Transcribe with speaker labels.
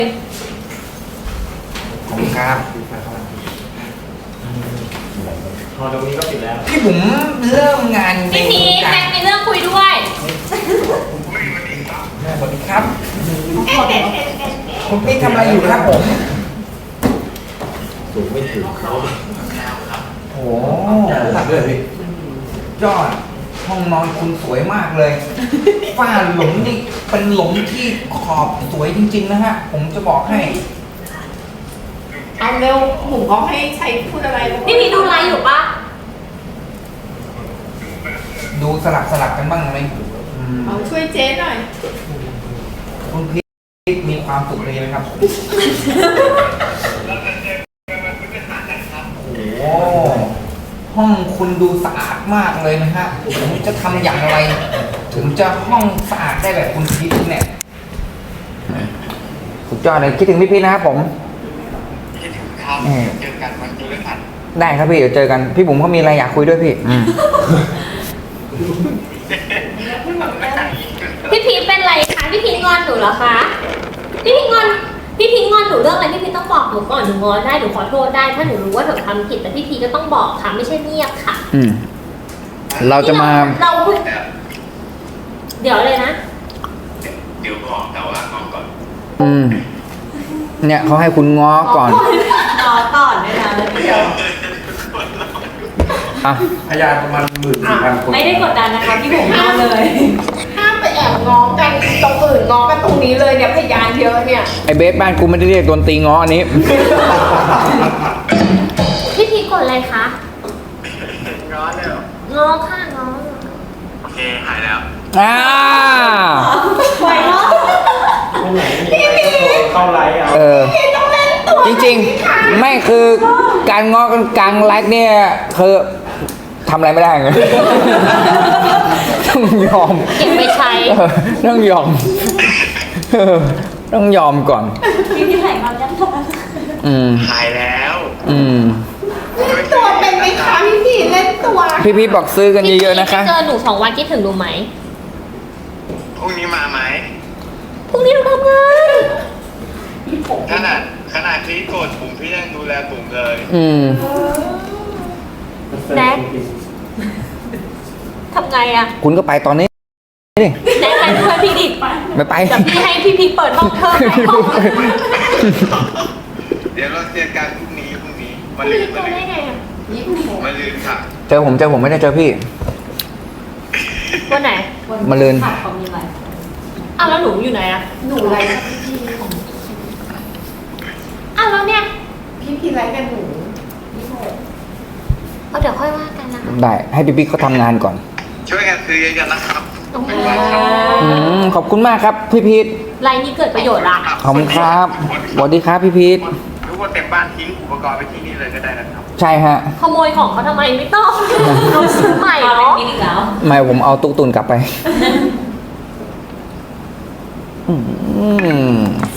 Speaker 1: ขอบคุณครับ
Speaker 2: พอตรงนี้ก็ปิดแล้ว
Speaker 1: พี่ผมเริ่มงานใน
Speaker 3: พี่พีชแม็กมีเรื่องคุยด้วย
Speaker 1: สวัสดีครับคุณพี่ทำอะไรอยู่ครับผม
Speaker 2: สูงไม่ถึง
Speaker 1: โอ้โหยอดห้องนอนคุณสวยมากเลย ฝ้าหลุมนี่เป็นหลุมที่ขอบสวยจริงๆนะฮะ ผมจะบอกให้
Speaker 4: เอาเร็วหมูเขาให้ใช้พูดอะไรแล้ว
Speaker 3: พี่พีชดูไลฟ์อยู่ปะ
Speaker 1: ดูสลับกันบ้างไหมอืม
Speaker 4: เอาช่วยเจ๊หน่อย
Speaker 1: คุณพี่มีความสุขเลยไหมครับ โอ้โหห้องคุณดูสะอาดมากเลยนะฮะผมจะทำอย่างไร ถึงจะห้องสะอาดได้แบบคุณพีทเนี่ยสุดยอดเลยคิดถึงพี่พีทนะครับผม
Speaker 5: คิดถึงครับเจอกันวันพฤหัส
Speaker 1: ได้ครับพี่เดี๋ยวเจอกันพี่บุ๋มเขามีอะไรอยากคุยด้วยพี่
Speaker 3: พี่พีชเป็นไรคะพี่พีชงอนหนูเหรอคะพี่พีชงอนหนูเรื่องอะไรพี่พีชต้องบอกหนูก่อนหนูงอนได้หนูขอโทษได้ถ้าหนูรู้ว่าหนูทำผิดแต่พี่พีชก็ต้องบอกค่ะไม่ใช่เงียบค่ะ
Speaker 1: เราจะมา
Speaker 3: เราเดี๋ยวเลยนะ
Speaker 5: เดี๋ยวบอกแต่ว่างอนก่อน
Speaker 1: เนี่ยเขาให้คุณง้อก่อน
Speaker 4: รอก่อนด้วยนะเดี๋ยว
Speaker 1: อ่ะ
Speaker 2: พยานประมาณ14,000 คน
Speaker 4: ไม่ได้กดดันนะคะพี่ผมเอาเลยห้ามไปแอบง้อกันตรงอื่นง้อกันตรงนี้เลยเนี่ยพยานเยอะเนี่ย
Speaker 1: ไอเบสบ้านกูไม่ได้เรียกดนตรีง้ออันนี้
Speaker 3: พี่พีชกดอะไรคะ
Speaker 5: ร้อนเลยเหรอง
Speaker 3: อค่ะงอ
Speaker 5: โอเคหายแล้ว
Speaker 4: ไหวเนาะ
Speaker 2: พี่พีเข้าไลฟ์เอา
Speaker 1: จริงๆ ไม่คือการง้อกันกลางไลฟ์เนี่ยคือทำอะไรไม่ได้ไง ต้องยอม
Speaker 3: เก็บไปใช้
Speaker 1: ต้องยอมต้องยอมก่อน
Speaker 4: พี่ไหนมายังท
Speaker 5: หายแล้ว
Speaker 4: เล่นตัวเป็นไหมคะพี่เล่นตัว
Speaker 1: พี่บอกซื้อกันเยอะๆนะคะ
Speaker 3: พี่เจอหนู2 วันคิดถึงหนูไหม
Speaker 5: พรุ่งนี้มาไหม
Speaker 3: พรุ่งนี้หนูทำงาน
Speaker 5: ขนาดที่โกรธปุ่มพี่ยังดูแลปุ่มเลย
Speaker 3: แน็กทำไงอะ
Speaker 1: คุณก็ไปตอนนี้ดิ
Speaker 3: แน็กให้เพื่อนพี่ดิ
Speaker 1: ไม่ไป
Speaker 3: แต่พี่ให้พี่พีเปิดห้องเธอในห้อง
Speaker 5: เดี๋ยวเราเจอกันพรุ่งนี้มา
Speaker 3: พี่
Speaker 5: ลื
Speaker 3: พี
Speaker 5: น
Speaker 3: เจอได้ไงอะ
Speaker 5: มาลืนค่ะ
Speaker 1: เจอผมไม่ได้เจอพี่
Speaker 3: วันไหน
Speaker 1: มาลืน
Speaker 4: เขามีอะไร
Speaker 3: อ้าวแล้วหนูอยู่ไหนอะ
Speaker 4: หนูอะไร
Speaker 3: อ้าวแล้วเนี่ย
Speaker 4: พี่ไรกันหนู
Speaker 3: เอาเดี๋ยวค่อยว่ากันนะคะ
Speaker 1: ได้ให้พี่เขาทำงานก่อน
Speaker 5: ช่วยกันซื้อเยอะๆนะครับ
Speaker 3: โอเค
Speaker 1: ขอบคุณมากครับพี่พีท
Speaker 3: ไลน์นี้เกิดประโยชน์ละ
Speaker 1: ขอบคุณครับสวัสดีครับพี่พีท
Speaker 5: ทุกคนเต็มบ้านทิ้งอุปกรณ์ไปที่นี่เลยก็ได้นะครับ
Speaker 1: ใช่ฮะ
Speaker 3: ขโมยของเขาทำไมไม่ต้องเราซื้อใหม่เนาะ
Speaker 1: ไม่ผมเอาตุ๊กตุนกลับไป